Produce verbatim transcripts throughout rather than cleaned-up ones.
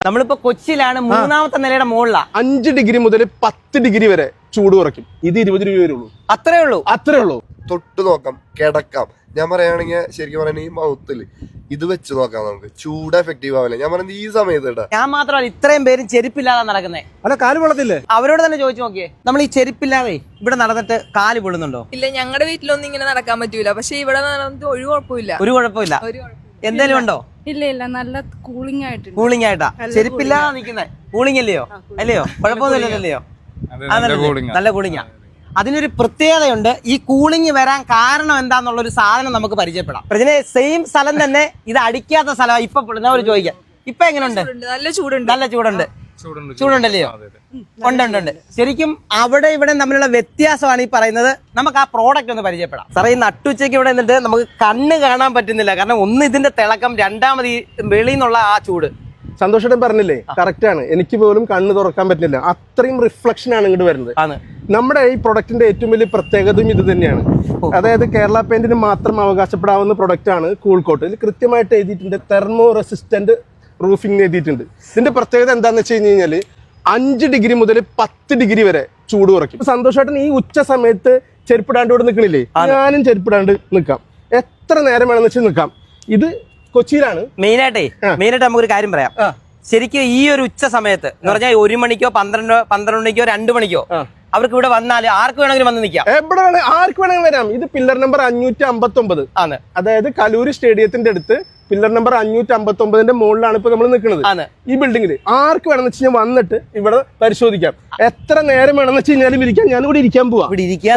നമ്മളിപ്പോ കൊച്ചിയിലാണ്, മൂന്നാമത്തെ നിലയുടെ മുകളിലാ. അഞ്ച് ഡിഗ്രി മുതൽ പത്ത് ഡിഗ്രി വരെ ചൂട് കുറയ്ക്കും. ഇത് ഇരുപത് രൂപ വരെ ഉള്ളൂ. അത്രേ ഉള്ളൂ അത്രേ ഉള്ളൂ. തൊട്ട് നോക്കാം, കിടക്കാം. ഞാൻ പറയുകയാണെങ്കിൽ ശരിക്കും പറയുന്നത് ഈ മൗത്തിൽ ഇത് വെച്ച് നോക്കാം, നമുക്ക് ചൂട് എഫക്റ്റീവ് ആവില്ല. ഞാൻ പറയുന്നത് ഈ സമയത്ത് കേട്ടാ. ഞാൻ മാത്രമല്ല, ഇത്രയും പേരും ചെരുപ്പില്ലാതെ നടക്കുന്നേ. അല്ല, കാല് പൊള്ളത്തില്ലേ? അവരോട് തന്നെ ചോദിച്ചു നോക്കിയേ, നമ്മൾ ഈ ചെരുപ്പില്ലാതെ ഇവിടെ നടന്നിട്ട് കാല് പൊള്ളുന്നുണ്ടോ? ഇല്ല, ഞങ്ങളുടെ വീട്ടിലൊന്നും ഇങ്ങനെ നടക്കാൻ പറ്റൂല. പക്ഷെ ഇവിടെ നടന്നിട്ട് ഒരു കുഴപ്പമില്ല. ഒരു കുഴപ്പമില്ല. എന്തേലും ഉണ്ടോ? ഇല്ല ഇല്ല, നല്ല കൂളിംഗ് ആയിട്ട്. കൂളിംഗ് ആയിട്ടാ ചെരുപ്പില്ലാതെ നിൽക്കുന്നേ. കൂളിംഗ് അല്ലയോ? അല്ലയോ? കുഴപ്പമൊന്നുമില്ലല്ലോ. നല്ല കൂളിംഗാ. അതിനൊരു പ്രത്യേകതയുണ്ട്. ഈ കൂളിംഗ് വരാൻ കാരണം എന്താന്നുള്ള ഒരു സാധനം നമുക്ക് പരിചയപ്പെടാം. ഇതിന് സെയിം സ്ഥലം തന്നെ, ഇത് അടിക്കാത്ത സ്ഥലമാണ്. ഇപ്പൊ ഒരു ചോദിക്കാം, ഇപ്പൊ എങ്ങനെയുണ്ട്? നല്ല ചൂടുണ്ട്. നല്ല ചൂടുണ്ട്. ചൂടുണ്ടല്ലയോ? ഉണ്ട് ഉണ്ട് ഉണ്ട്. ശരിക്കും അവിടെ ഇവിടെ തമ്മിലുള്ള വ്യത്യാസമാണ് ഈ പറയുന്നത്. നമുക്ക് ആ പ്രോഡക്റ്റ് ഒന്ന് പരിചയപ്പെടാം. സാറേ, ഈ നട്ടുച്ചയ്ക്ക് ഇവിടെ നിന്നിട്ട് നമുക്ക് കണ്ണ് കാണാൻ പറ്റുന്നില്ല. കാരണം ഒന്ന് ഇതിന്റെ തിളക്കം, രണ്ടാമത് ഈ വെളിയിൽ നിന്നുള്ള ആ ചൂട്. സന്തോഷം പറഞ്ഞില്ലേ, കറക്റ്റ് ആണ്. എനിക്ക് പോലും കണ്ണ് തുറക്കാൻ പറ്റില്ല, അത്രയും റിഫ്ലക്ഷൻ ആണ് ഇങ്ങോട്ട് വരുന്നത്. നമ്മുടെ ഈ പ്രൊഡക്റ്റിന്റെ ഏറ്റവും വലിയ പ്രത്യേകതയും ഇത് തന്നെയാണ്. അതായത് കേരള പെയിന്റിന് മാത്രം അവകാശപ്പെടാവുന്ന പ്രൊഡക്റ്റ് ആണ് കൂൾ കോട്ട്. ഇതിൽ കൃത്യമായിട്ട് എഴുതിയിട്ടുണ്ട് തെർമോ റെസിസ്റ്റന്റ് റൂഫിംഗ് എഴുതിയിട്ടുണ്ട്. ഇതിന്റെ പ്രത്യേകത എന്താണെന്ന് വെച്ച് കഴിഞ്ഞ് കഴിഞ്ഞാൽ അഞ്ച് ഡിഗ്രി മുതൽ പത്ത് ഡിഗ്രി വരെ ചൂട് കുറയ്ക്കും. സന്തോഷമായിട്ട് ഈ ഉച്ച സമയത്ത് ചെരുപ്പിടാണ്ട് ഇവിടെ നിൽക്കണില്ലേ? ഞാനും ചെരുപ്പിടാണ്ട് നിൽക്കാം, എത്ര നേരം വേണമെന്ന് വെച്ചാൽ നിൽക്കാം. ഇത് കൊച്ചിയിലാണ്. മെയിനായിട്ടേ മെയിനായിട്ട് നമുക്കൊരു കാര്യം പറയാം. ശരിക്കും ഈ ഒരു ഉച്ച സമയത്ത് എന്ന് പറഞ്ഞാൽ ഒരു മണിക്കോ പന്ത്രണ്ടോ പന്ത്രണ്ട് മണിക്കോ രണ്ടു മണിക്കോ അവർക്ക് ഇവിടെ വന്നാൽ ആർക്ക് വേണമെങ്കിലും വന്ന് നിൽക്കാം. എവിടെ വേണേ ആർക്ക് വേണമെങ്കിലും വരാം. ഇത് പില്ലർ നമ്പർ അഞ്ഞൂറ്റി അമ്പത്തി ഒമ്പത് ആണ്. അതായത് കലൂര് സ്റ്റേഡിയത്തിന്റെ അടുത്ത് പില്ലർ നമ്പർ അഞ്ഞൂറ്റി അമ്പത്തി ഒമ്പതിന്റെ മുകളിലാണ് ഇപ്പൊ നമ്മൾ നിൽക്കുന്നത്. ഈ ബിൽഡിംഗിൽ ആർക്ക് വേണമെന്ന് വെച്ച് കഴിഞ്ഞാൽ വന്നിട്ട് ഇവിടെ പരിശോധിക്കാം. എത്ര നേരം വേണമെന്ന് വെച്ച് കഴിഞ്ഞാലും ഇരിക്കാം. ഞാൻ ഇവിടെ ഇരിക്കാൻ പോവാം.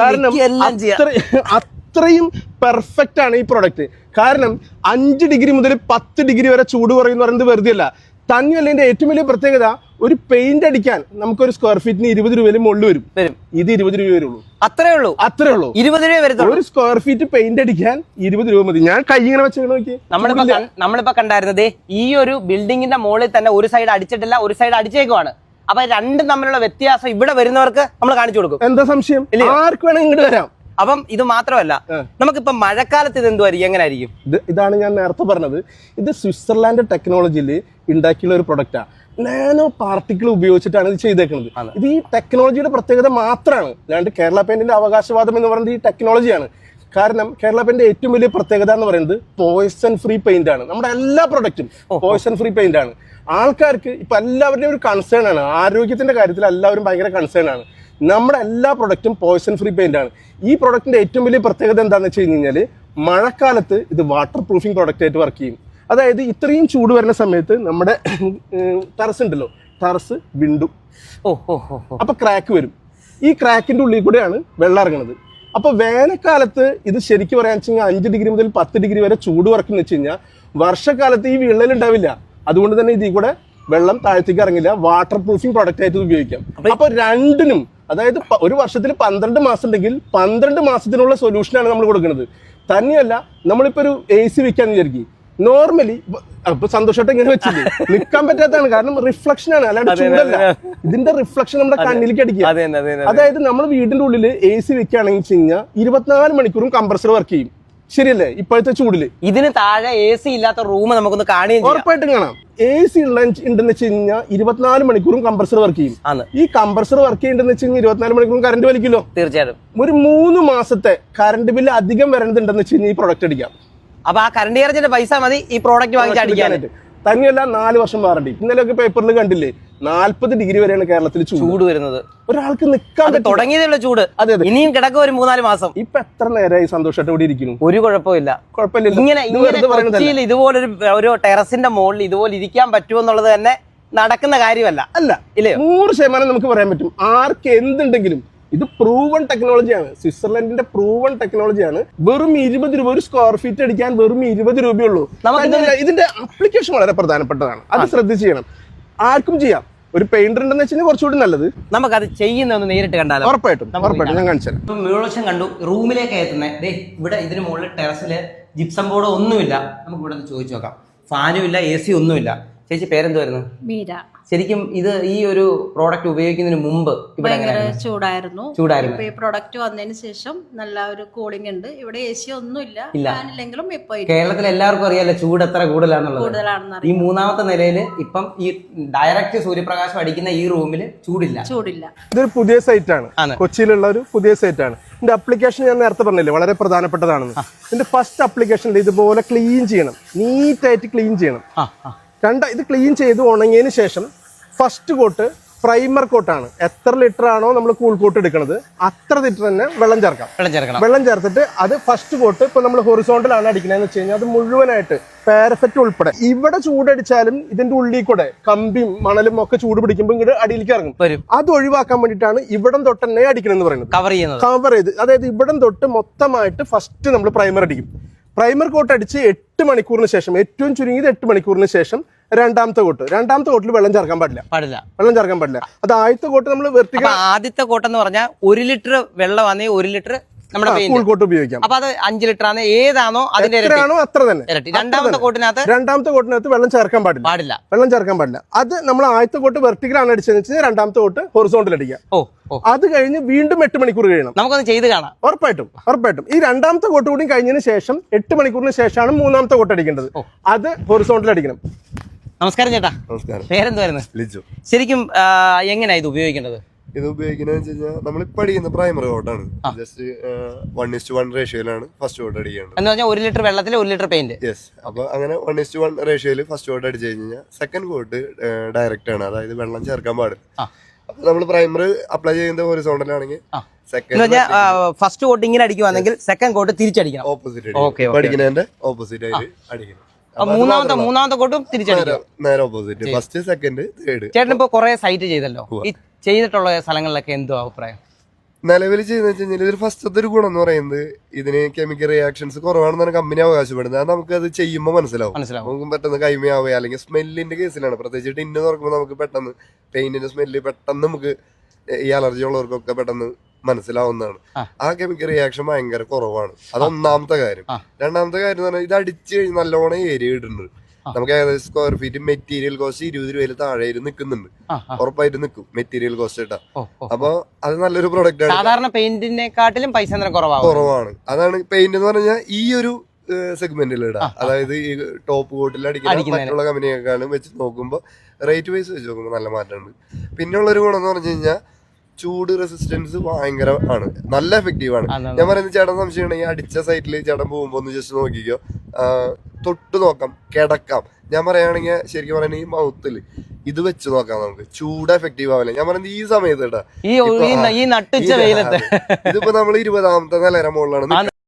കാരണം അത്രയും പെർഫെക്റ്റ് ആണ് ഈ പ്രൊഡക്റ്റ്. കാരണം അഞ്ച് ഡിഗ്രി മുതൽ പത്ത് ഡിഗ്രി വരെ ചൂട് കുറയുന്ന പറയുന്നത് വെറുതെ അല്ല. തന്നെയല്ല, ഇതിന്റെ ഏറ്റവും വലിയ പ്രത്യേകത, ഒരു പെയിന്റ് അടിക്കാൻ നമുക്കൊരു സ്ക്വയർ ഫീറ്റിന് ഇരുപത് രൂപയിൽ മുകളിൽ വരും. ഇത് ഇരുപത് രൂപ വരുള്ളൂ. അത്രേ ഉള്ളൂ. അത്രേ ഉള്ളൂ. ഇരുപത് രൂപ വരും ഒരു സ്ക്വയർ ഫീറ്റ് പെയിന്റ് അടിക്കാൻ. ഇരുപത് രൂപ മതി. ഞാൻ കൈ ഇങ്ങനെ വെച്ച് നോക്കി. നമ്മളിപ്പോ നമ്മളിപ്പോ കണ്ടായിരുന്നത് ഈ ഒരു ബിൽഡിങ്ങിന്റെ മുകളിൽ തന്നെ ഒരു സൈഡ് അടിച്ചിട്ടില്ല, ഒരു സൈഡ് അടിച്ചേക്കുവാണ്. അപ്പൊ രണ്ടും തമ്മിലുള്ള വ്യത്യാസം ഇവിടെ വരുന്നവർക്ക് നമ്മൾ കാണിച്ചു കൊടുക്കും. എന്താ സംശയം? ആർക്ക് വേണമെങ്കിൽ ഇങ്ങോട്ട് വരാം. അപ്പം ഇത് മാത്രമല്ല, നമുക്കിപ്പോ മഴക്കാലത്ത് ഇത് എന്തുവായിരിക്കും, എങ്ങനെ ആയിരിക്കും? ഇത് ഇതാണ് ഞാൻ നേരത്തെ പറഞ്ഞത്. ഇത് സ്വിറ്റ്സർലാൻഡ് ടെക്നോളജിയിൽ ഉണ്ടാക്കിയുള്ള ഒരു പ്രൊഡക്റ്റാണ്. നാനോ പാർട്ടിക്കിൾ ഉപയോഗിച്ചിട്ടാണ് ഇത് ചെയ്തേക്കുന്നത്. ഇത് ഈ ടെക്നോളജിയുടെ പ്രത്യേകത മാത്രമാണ്. അല്ലാണ്ട് കേരള പെയിന്റിന്റെ അവകാശവാദം എന്ന് പറയുന്നത് ഈ ടെക്നോളജിയാണ്. കാരണം കേരള പെയിന്റ് ഏറ്റവും വലിയ പ്രത്യേകത എന്ന് പറയുന്നത് പോയ്സൺ ഫ്രീ പെയിന്റ് ആണ്. നമ്മുടെ എല്ലാ പ്രൊഡക്റ്റും പോയ്സൺ ഫ്രീ പെയിന്റ് ആണ്. ആൾക്കാർക്ക് ഇപ്പൊ എല്ലാവരുടെയും ഒരു കൺസേൺ ആണ്. ആരോഗ്യത്തിന്റെ കാര്യത്തിൽ എല്ലാവരും ഭയങ്കര കൺസേൺ ആണ്. നമ്മുടെ എല്ലാ പ്രൊഡക്റ്റും പോയ്സൺ ഫ്രീ പെയിന്റ് ആണ്. ഈ പ്രൊഡക്റ്റിന്റെ ഏറ്റവും വലിയ പ്രത്യേകത എന്താണെന്ന് വെച്ച് കഴിഞ്ഞ് കഴിഞ്ഞാൽ മഴക്കാലത്ത് ഇത് വാട്ടർ പ്രൂഫിംഗ് പ്രൊഡക്റ്റ് ആയിട്ട് വർക്ക് ചെയ്യും. അതായത് ഇത്രയും ചൂട് വരുന്ന സമയത്ത് നമ്മുടെ ടെറസ് ഉണ്ടല്ലോ, ടെറസ് വിണ്ടും അപ്പൊ ക്രാക്ക് വരും. ഈ ക്രാക്കിന്റെ ഉള്ളിൽ കൂടെയാണ് വെള്ളം ഇറങ്ങുന്നത്. അപ്പൊ വേനൽക്കാലത്ത് ഇത് ശരിക്കും പറയാൻ വെച്ച് കഴിഞ്ഞാൽ അഞ്ച് ഡിഗ്രി മുതൽ പത്ത് ഡിഗ്രി വരെ ചൂട് കുറയ്ക്കുന്ന വെച്ച് കഴിഞ്ഞാൽ വർഷക്കാലത്ത് ഈ വിള്ളൽ ഉണ്ടാവില്ല. അതുകൊണ്ട് തന്നെ ഇതിൽ കൂടെ വെള്ളം താഴത്തേക്ക് ഇറങ്ങില്ല. വാട്ടർ പ്രൂഫിംഗ് പ്രൊഡക്റ്റ് ആയിട്ട് ഉപയോഗിക്കാം. അപ്പൊ രണ്ടിനും, അതായത് ഒരു വർഷത്തിൽ പന്ത്രണ്ട് മാസം ഉണ്ടെങ്കിൽ പന്ത്രണ്ട് മാസത്തിനുള്ള സൊല്യൂഷനാണ് നമ്മൾ കൊടുക്കുന്നത്. തന്നെയല്ല, നമ്മളിപ്പോ ഒരു എ സി വെക്കാന്ന് വിചാരിക്കും. നോർമലി അപ്പൊ സന്തോഷമായിട്ട് ഇങ്ങനെ വെച്ചില്ലേ, നിൽക്കാൻ പറ്റാത്തതാണ്. കാരണം റിഫ്ലക്ഷൻ ആണ്, അല്ലാണ്ട് ചൂടല്ല. ഇതിന്റെ റിഫ്ലക്ഷൻ നമ്മുടെ കണ്ണിലേക്ക് അടിക്കുക. അതായത് നമ്മൾ വീടിന്റെ ഉള്ളിൽ എ സി വെക്കുകയാണെങ്കിൽ വെച്ച് കഴിഞ്ഞാൽ ഇരുപത്തിനാല് മണിക്കൂറും കംപ്രസർ വർക്ക് ചെയ്യും. ശരിയല്ലേ? ഇപ്പോഴത്തെ ചൂടില് ഇതിന് താഴെ എ സി ഇല്ലാത്ത റൂം നമുക്കൊന്ന് കാണുകയും ഉറപ്പായിട്ടും കാണാം. എ സി ഉണ്ടെന്ന് വെച്ച് കഴിഞ്ഞാൽ ഇരുപത്തിനാല് മണിക്കൂറും കംപ്രസർ വർക്ക് ചെയ്യും. ഈ കംപ്രസർ വർക്ക് ചെയ്യേണ്ടെന്ന് വെച്ച് കഴിഞ്ഞാൽ ഇരുപത്തിനാല് മണിക്കൂറും കറണ്ട് വലിക്കുമല്ലോ. തീർച്ചയായിട്ടും ഒരു മൂന്ന് മാസത്തെ കറണ്ട് ബില്ല് അധികം വരേണ്ടതുണ്ടെന്ന് വെച്ച് കഴിഞ്ഞാൽ ഈ പ്രൊഡക്റ്റ് അടിക്കാം. അപ്പൊ ആ കറണ്ട് ചാർജിന്റെ പൈസ മതി ഈ പ്രോഡക്റ്റ് വാങ്ങിച്ചടിക്കാനായിട്ട്. തന്നെയല്ല, നാല് വർഷം വാറണ്ടി. ഇന്നലെയൊക്കെ പേപ്പറിൽ കണ്ടില്ലേ, നാല്പത് ഡിഗ്രി വരെയാണ് കേരളത്തിൽ ചൂട് വരുന്നത്. ഒരാൾക്ക് നിൽക്കാൻ തുടങ്ങിയതുള്ള ചൂട്. അതെ അതെ, ഇനിയും കിടക്കും ഒരു മൂന്നാല് മാസം. ഇപ്പൊ എത്ര നേരമായി സന്തോഷമായിട്ട് ഇവിടെ ഇരിക്കുന്നു. ഒരു കുഴപ്പമില്ല. കുഴപ്പമില്ല. ഇങ്ങനെ ഇങ്ങനെ ഇതുപോലൊരു ഒരു ടെറസിന്റെ മുകളിൽ ഇതുപോലെ ഇരിക്കാൻ പറ്റുമെന്നുള്ളത് തന്നെ നടക്കുന്ന കാര്യമല്ല. അല്ല ഇല്ലേ? നൂറ് ശതമാനം നമുക്ക് പറയാൻ പറ്റും. ആർക്ക് എന്തുണ്ടെങ്കിലും ഇത് പ്രൂവൺ ടെക്നോളജിയാണ്. സ്വിറ്റ്സർലൻഡിന്റെ പ്രൂവൺ ടെക്നോളജിയാണ്. വെറും ഇരുപത് രൂപ ഒരു സ്ക്വയർ ഫീറ്റ് അടിക്കാൻ വെറും ഇരുപത് രൂപയുള്ളൂ. ഇതിന്റെ ആപ്ലിക്കേഷൻ വളരെ പ്രധാനപ്പെട്ടതാണ്. അത് ശ്രദ്ധിച്ച് ചെയ്യണം. ആർക്കും ചെയ്യാം. ഒരു പെയിന്റർ ഉണ്ടെന്ന് വെച്ചാൽ കുറച്ചുകൂടി നല്ലത്. നമുക്കത് ചെയ്യുന്ന നേരിട്ട് കണ്ടാലോ? ഉറപ്പായിട്ടും ഉറപ്പായിട്ടും ഞാൻ കാണിച്ചു തരാം. മുഴുവൻ കണ്ടു. റൂമിലേക്ക് എത്തുന്നത് ഇവിടെ ഇതിന് മുകളിൽ ടെറസില് ജിപ്സം ബോർഡ് ഒന്നുമില്ല. നമുക്ക് ഇവിടെ ചോദിച്ചു നോക്കാം. ഫാനും ഇല്ല, എ സി ഒന്നുമില്ല. ചേച്ചി പേരെന്തുവായിരുന്നു? മീര. ശരിക്കും ഇത് ഈ ഒരു പ്രോഡക്റ്റ് ഉപയോഗിക്കുന്നതിന് മുമ്പ് ഇവിടെ ഭയങ്കര എങ്ങനെയായിരുന്നു? ചൂടായിരുന്നു. ചൂടായിരുന്നു. ഇപ്പൊ ഈ പ്രൊഡക്റ്റ് വന്നതിന് ശേഷം നല്ല ഒരു കൂളിംഗ് ഉണ്ട്. ഇവിടെ എ സി ഒന്നുമില്ല, ഫാനില്ലെങ്കിലും ഇപ്പൊ കേരളത്തിൽ എല്ലാവർക്കും അറിയാലോ ചൂട് എത്ര കൂടുതലാണെന്നുള്ളത്. കൂടുതലാണെന്ന് ഈ മൂന്നാമത്തെ നിലയിൽ ഇപ്പം ഈ ഡയറക്റ്റ് സൂര്യപ്രകാശം അടിക്കുന്ന ഈ റൂമിൽ ചൂടില്ല. ചൂടില്ല. ഇതൊരു പുതിയ സൈറ്റ് ആണ്, ആണ്. കൊച്ചിയിലുള്ള ഒരു പുതിയ സൈറ്റ് ആണ്. ഇതിന്റെ അപ്ലിക്കേഷൻ ഞാൻ നേരത്തെ പറഞ്ഞില്ലേ വളരെ പ്രധാനപ്പെട്ടതാണെന്ന്. ഇതിന്റെ ഫസ്റ്റ് അപ്ലിക്കേഷനിൽ ഇതുപോലെ ക്ലീൻ ചെയ്യണം, നീറ്റായിട്ട് ക്ലീൻ ചെയ്യണം. ആ ആ രണ്ട ഇത് ക്ലീൻ ചെയ്ത് ഉണങ്ങിയതിന് ശേഷം ഫസ്റ്റ് കോട്ട് പ്രൈമർ കോട്ടാണ്. എത്ര ലിറ്റർ ആണോ നമ്മൾ കൂൾ കോട്ട് എടുക്കുന്നത് അത്ര ലിറ്റർ തന്നെ വെള്ളം ചേർക്കാം. വെള്ളം ചേർക്കണം. വെള്ളം ചേർത്തിട്ട് അത് ഫസ്റ്റ് കോട്ട് ഇപ്പൊ നമ്മൾ ഹൊറിസോണ്ടലാണ് അടിക്കുന്നതെന്ന് വെച്ച് കഴിഞ്ഞാൽ അത് മുഴുവനായിട്ട് പാരഫെറ്റ് ഉൾപ്പെടെ ഇവിടെ ചൂടടിച്ചാലും ഇതിന്റെ ഉള്ളിൽ കൂടെ കമ്പിയും മണലും ഒക്കെ ചൂട് പിടിക്കുമ്പോൾ ഇങ്ങോട്ട് അടിയിലേക്ക് ഇറങ്ങും. വരും. അത് ഒഴിവാക്കാൻ വേണ്ടിയിട്ടാണ് ഇവിടം തൊട്ട് തന്നെ അടിക്കണമെന്ന് പറയുന്നത്. കവർ ചെയ്യുന്നത്. കവർ ചെയ്ത് അതായത് ഇവിടം തൊട്ട് മൊത്തമായിട്ട് ഫസ്റ്റ് നമ്മൾ പ്രൈമർ അടിക്കും. പ്രൈമർ കോട്ട് അടിച്ച് എട്ട് മണിക്കൂറിന് ശേഷം, ഏറ്റവും ചുരുങ്ങിയത് എട്ട് മണിക്കൂറിന് ശേഷം രണ്ടാമത്തെ കോട്ട്. രണ്ടാമത്തെ കോട്ടിൽ വെള്ളം ചേർക്കാൻ പാടില്ല. പാടില്ല. വെള്ളം ചേർക്കാൻ പാടില്ല. അത് ആദ്യത്തെ കോട്ട് നമ്മൾ വെർട്ടിക്കൽ. ആദ്യത്തെ കോട്ടെന്ന് പറഞ്ഞാൽ ഒരു ലിറ്റർ വെള്ളം ആണെങ്കിൽ ഒരു ലിറ്റർ നമ്മുടെ കൂൾ കോട്ട് ഉപയോഗിക്കാം. അപ്പൊ അത് അഞ്ച് ലിറ്റർ ആണ്, ഏതാണോ അതിന്റെ എത്രയാണോ അത്ര തന്നെ. ഇരട്ടി. രണ്ടാമത്തെ കോട്ടിനകത്ത് രണ്ടാമത്തെ കോട്ടിനകത്ത് വെള്ളം ചേർക്കാൻ പാടില്ല. പാടില്ല. വെള്ളം ചേർക്കാൻ പാടില്ല. അത് നമ്മൾ ആദ്യത്തെ കോട്ട് വെർട്ടിക്കലാണ് അടിച്ചതെന്ന് വെച്ചാൽ രണ്ടാമത്തെ കോട്ട് ഹൊറിസോണ്ടൽ അടിക്കാം. ഓ ഓ അത് കഴിഞ്ഞ് വീണ്ടും എട്ട് മണിക്കൂർ കഴിയണം. നമുക്കൊന്ന് ചെയ്ത് കാണാം. ഉറപ്പായിട്ടും ഉറപ്പായിട്ടും ഈ രണ്ടാമത്തെ കോട്ട് കൂടി കഴിഞ്ഞതിന് ശേഷം എട്ട് മണിക്കൂറിന് ശേഷമാണ് മൂന്നാമത്തെ കോട്ട് അടിക്കേണ്ടത്. അത് ഹൊറിസോണ്ടൽ അടിക്കണം. നമസ്കാരം ചേട്ടാ. നമസ്കാരം. പേരെന്തുവായിരുന്നു? ലിജു. ശരിക്കും എങ്ങനെയാ ഇത് ഉപയോഗിക്കേണ്ടത്? ഇത് ഉപയോഗിക്കുന്നത് വെച്ച് കഴിഞ്ഞാൽ നമ്മളിപ്പോൾ അടിക്കുന്ന പ്രൈമറി കോട്ടാണ്. ജസ്റ്റ് വൺ ഇസ്റ്റ് വൺ റേഷ്യോയിലാണ് ഫസ്റ്റ് കോട്ട് അടിക്കേണ്ടത്. എന്ന് പറഞ്ഞാൽ ഒരു ലിറ്റർ വെള്ളത്തിൽ ഒരു ലിറ്റർ പെയിന്റ്. യെസ്. അപ്പൊ അങ്ങനെ വൺ ഇസ്റ്റ് വൺ റേഷ്യോയിൽ ഫസ്റ്റ് കോട്ട് അടിച്ചു കഴിഞ്ഞാൽ സെക്കൻഡ് കോട്ട് ഡയറക്റ്റ് ആണ്, അതായത് വെള്ളം ചേർക്കാൻ പാടില്ല. അപ്പൊ നമ്മൾ പ്രൈമറി അപ്ലൈ ചെയ്യുന്നത് ഹൊറിസോണ്ടലാണെങ്കിൽ സെക്കൻഡ് ഫസ്റ്റ് കോട്ട് ഇങ്ങനെ അടിക്കുവാണെങ്കിൽ സെക്കൻഡ് കോട്ട് തിരിച്ചടിക്കണം. ഓപ്പോസിറ്റ് അടിക്കുന്നതിന്റെ ഓപ്പോസിറ്റ് ആയിട്ട് അടിക്കണം. മൂന്നാമത്തെ മൂന്നാമത്തെ കോട്ടും തിരിച്ചടിക്കണം. നേരെ ഓപ്പോസിറ്റ്. First second third. ചേട്ടൻ ഇപ്പൊ കുറെ സൈറ്റ് ചെയ്തല്ലോ. ഈ ചെയ്തിട്ടുള്ള സ്ഥലങ്ങളിലൊക്കെ എന്തോ അഭിപ്രായം? നിലവിൽ ചെയ്യുന്ന വെച്ച് കഴിഞ്ഞാൽ ഇതിൽ ഫസ്റ്റത്തെ ഒരു ഗുണം എന്ന് പറയുന്നത് ഇതിന് കെമിക്കൽ റിയാക്ഷൻസ് കുറവാണെന്നാണ് കമ്പനി അവകാശപ്പെടുന്നത്. അത് നമുക്ക് അത് ചെയ്യുമ്പോൾ മനസ്സിലാവും. മനസ്സിലാവും. നമുക്ക് പെട്ടെന്ന് കൈമയാവുക, അല്ലെങ്കിൽ സ്മെല്ലിന്റെ കേസിലാണ് പ്രത്യേകിച്ച് ടിന്ന് തുറക്കുമ്പോൾ നമുക്ക് പെട്ടെന്ന് പെയിന്റിന്റെ സ്മെല്ല് പെട്ടെന്ന് നമുക്ക് ഈ അലർജി ഉള്ളവർക്കൊക്കെ പെട്ടെന്ന് മനസ്സിലാവുന്നതാണ്. ആ കെമിക്കൽ റിയാക്ഷൻ ഭയങ്കര കുറവാണ്. അത് ഒന്നാമത്തെ കാര്യം. രണ്ടാമത്തെ കാര്യം എന്ന് പറഞ്ഞാൽ ഇത് അടിച്ചു കഴിഞ്ഞ് നല്ലോണം ഏരിയ ഇടുന്നുണ്ട്. നമുക്ക് ഏകദേശം സ്ക്വയർ ഫീറ്റ് മെറ്റീരിയൽ കോസ്റ്റ് ഇരുപത് രൂപയിൽ താഴെ നിൽക്കുന്നുണ്ട്. ഉറപ്പായിട്ട് നിൽക്കും മെറ്റീരിയൽ കോസ്റ്റ് ഇട്ടാ. അപ്പൊ അത് നല്ലൊരു പ്രൊഡക്റ്റ് ആണ്. സാധാരണ പെയിന്റിനെക്കാട്ടിലും പൈസ കുറവാണ്. കുറവാണ്. അതാണ് പെയിന്റ് എന്ന് പറഞ്ഞാൽ ഈ ഒരു സെഗ്മെന്റിൽ ഇടാം. അതായത് ഈ ടോപ്പ് കോട്ടിൽ അടിക്കുന്ന മറ്റുള്ള കമ്പനിയെക്കാളും വെച്ച് നോക്കുമ്പോൾ റേറ്റ് വൈസ് വെച്ച് നോക്കുമ്പോൾ നല്ല മാറ്റമുണ്ട്. പിന്നെയുള്ളൊരു ഗുണം എന്ന് പറഞ്ഞു കഴിഞ്ഞാൽ ചൂട് റെസിസ്റ്റൻസ് ഭയങ്കര ആണ്, നല്ല എഫക്റ്റീവ് ആണ്. ഞാൻ പറയുന്നത് ചേട്ടൻ സംശയം ഉണ്ടെങ്കിൽ അടിച്ച സൈറ്റിൽ ചേട്ടൻ പോകുമ്പോ ഒന്ന് ജസ്റ്റ് നോക്കിക്കോ, തൊട്ട് നോക്കാം, കിടക്കാം. ഞാൻ പറയുകയാണെങ്കിൽ ശരിക്കും പറയുന്നത് ഈ മൗത്തിൽ ഇത് വെച്ച് നോക്കാം നമുക്ക്, ചൂട് എഫക്റ്റീവ് ആവില്ല. ഞാൻ പറയുന്നത് ഈ സമയത്ത് കേട്ടാ, ഈ നട്ടുച്ച വെയിലത്ത് ഇതിപ്പോ നമ്മൾ ഇരുപതാമത്തെ നിലയുടെ മുകളിലാണ്